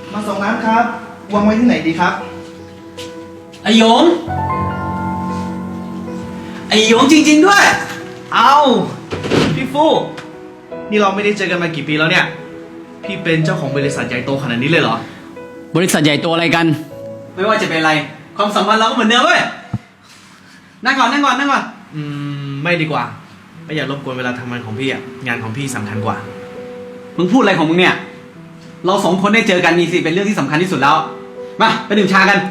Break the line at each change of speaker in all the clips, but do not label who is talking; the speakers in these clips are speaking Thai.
มาส่งน้ำครับวางไว้ที่ไหนดีครับ
ไอหยงไอหยงจริงๆด้วย
เอาพี่ฟู่นี่เราไม่ได้เจอกันมากี่ปีแล้วเนี่ยพี่เป็นเจ้าของบริษัทใหญ่โตขนาดนี้เลยเหรอบ
ริษัทใหญ่โตอะไรกัน ไม่ว่าจะเป็นอะไรความสัมพันธ์เราก็เหมือนเดิมเว้ยนั่งก่อน
ไม่ดีกว่าไม่อยากรบกวนเวลาทำงานของพี่อ่ะงานของพี่สำคัญกว่า
มึงพูดอะไรของมึงเนี่ยเราสองคนได้เจอกันมีสิเป็นเรื่องที่สำคัญที่สุดแล้วมาไปดื่มชากัน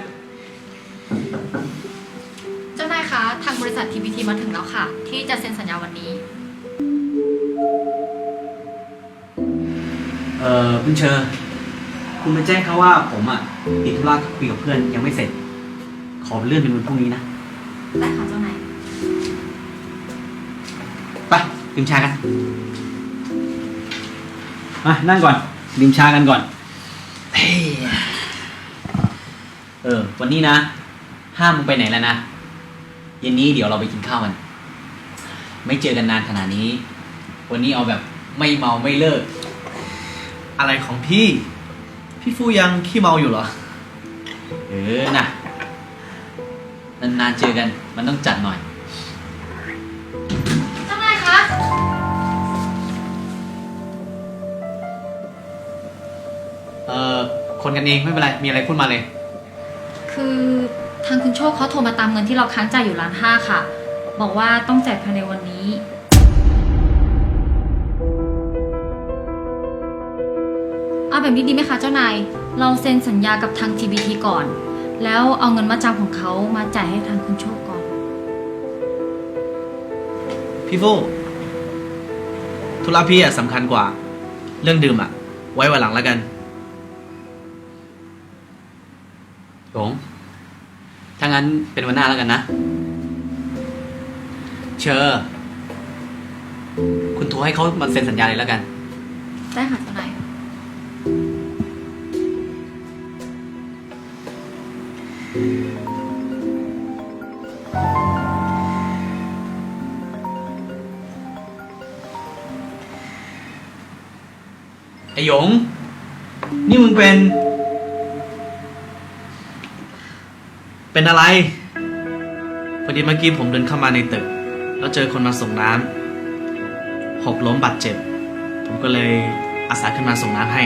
เจ้านายคะทางบริษัท TPT มาถึงแล้วค่ะที่จะเซ็นสัญญาวันนี้
คุณเชอร์คุณไปแจ้งเขาว่าผมอ่ะติดธุระคุยกับเพื่อนยังไม่เสร็จขอเลื่อนเป็นวันพรุ่งนี้นะ
ได้ค่ะเจ้านาย
ไปดื่มชากันมานั่งก่อนดื่มชากันก่อนวันนี้นะห้ามมึงไปไหนแล้วนะเย็นนี้เดี๋ยวเราไปกินข้าวกันไม่เจอกันนานขนาดนี้วันนี้เอาแบบไม่เมาไม่เลิก
อะไรของพี่ฟู่ยังขี้เมาอยู่เหรอ
นะนานๆเจอกันมันต้องจัดหน่อย
เจ้านายคะ
คนกันเองไม่เป็นไรมีอะไรพูดมาเลย
คือทางคุณโชคเขาโทรมาตามเงินที่เราค้างจ่ายอยู่1,500,000ค่ะบอกว่าต้องจ่ายภายในวันนี้เอาแบบนี้ดีไหมคะเจ้านายเราเซ็นสัญญากับทาง TBT ก่อนแล้วเอาเงินมาจำของเขามาจ่ายให้ทางคุณโชคก่อน
พี่ฟู่ธุระพี่สำคัญกว่าเรื่องดื่มไว้วันหลังแล้วกัน
หลงถ้างั้นเป็นวันหน้าแล้วกันนะเชอร์คุณโทรให้เขามาเซ็นสัญญาเลยแล้วกัน
ได้ค่ะเจ้านาย
ไอหยงนี่มึงเป็นอะไรพอดีเมื่อกี้ผมเดินเข้ามาในตึกแล้วเจอคนมาส่งน้ำหกล้มบาดเจ็บผมก็เลยอาสาขึ้นมาส่งน้ำให้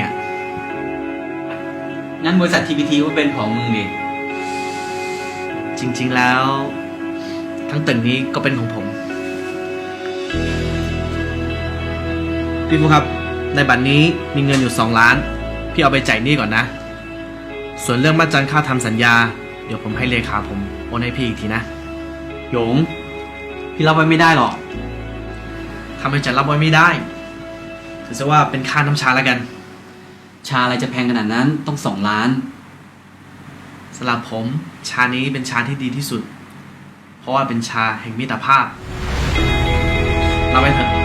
งั้นบริษัท TPT ก็เป็นของมึงดิ
จริงๆแล้วทั้งตึกนี้ก็เป็นของผมพี่ฟูครับในบัตรนี้มีเงินอยู่2 ล้านพี่เอาไปจ่ายหนี้ก่อนนะส่วนเรื่องมัดจำค่าทำสัญญาเดี๋ยวผมให้เลขาผมโอนให้พี่อีกทีนะ
หยงพี่รับไว้ไม่ได้หรอก
ทำไมจะรับไว้ไม่ได้ถือซะว่าเป็นค่าน้ำชาแล้วกัน
ชาอะไรจะแพงขนาดนั้นต้อง2 ล้าน
สำหรับผมชานี้เป็นชาที่ดีที่สุดเพราะว่าเป็นชาแห่งมิตรภาพรับไว้เถอะ